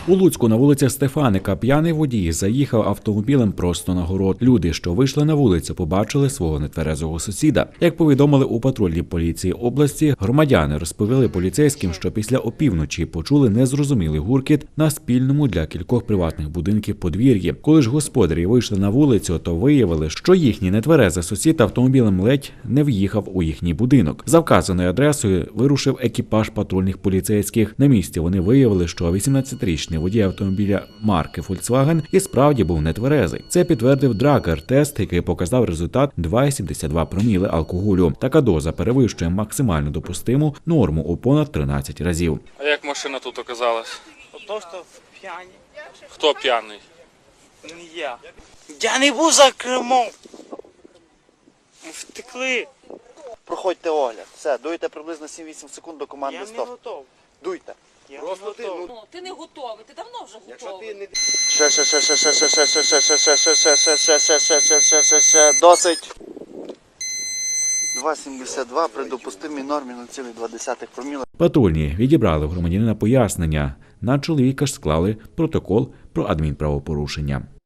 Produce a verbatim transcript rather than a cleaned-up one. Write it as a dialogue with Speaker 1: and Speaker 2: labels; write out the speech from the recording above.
Speaker 1: У Луцьку на вулиці Стефаника п'яний водій заїхав автомобілем просто на город. Люди, що вийшли на вулицю, побачили свого нетверезого сусіда. Як повідомили у патрульній поліції області, громадяни розповіли поліцейським, що після опівночі почули незрозумілий гуркіт на спільному для кількох приватних будинків подвір'ї. Коли ж господарі вийшли на вулицю, то виявили, що їхній нетверезий сусід автомобілем ледь не в'їхав у їхній будинок. За вказаною адресою вирушив екіпаж патрульних поліцейських. На місці вони виявили, що вісімнадцятирічний водій автомобіля марки Volkswagen і справді був нетверезий. Це підтвердив драгер-тест, який показав результат два цілих сімдесят два проміли алкоголю. Така доза перевищує максимально допустиму норму у понад тринадцять разів.
Speaker 2: А як машина тут оказалась?
Speaker 3: То, що п'яні.
Speaker 2: Хто п'яний?
Speaker 3: Не я. Я не був за кермом. Втекли.
Speaker 4: Проходьте огляд. Все, дуйте приблизно сім-вісім секунд до команди
Speaker 3: Я не
Speaker 4: стоп.
Speaker 3: готов.
Speaker 4: Дуйте.
Speaker 3: Я
Speaker 5: Просто
Speaker 3: не
Speaker 5: ти,
Speaker 3: готов.
Speaker 5: ну,
Speaker 6: Ну, ти не готовий, ти давно вже
Speaker 5: якщо
Speaker 6: готовий.
Speaker 5: ти не
Speaker 4: Ще, ще, ще, ще, ще, ще, ще, ще, ще, ще, ще, ще, ще, ще, ще, ще, ще, ще, ще, ще, досить. два цілих сімдесят два при допустимій нормі нуль цілих два десятих проміла.
Speaker 1: Патрульні відібрали в громадянина пояснення. На чоловіка ж склали протокол про адмінправопорушення.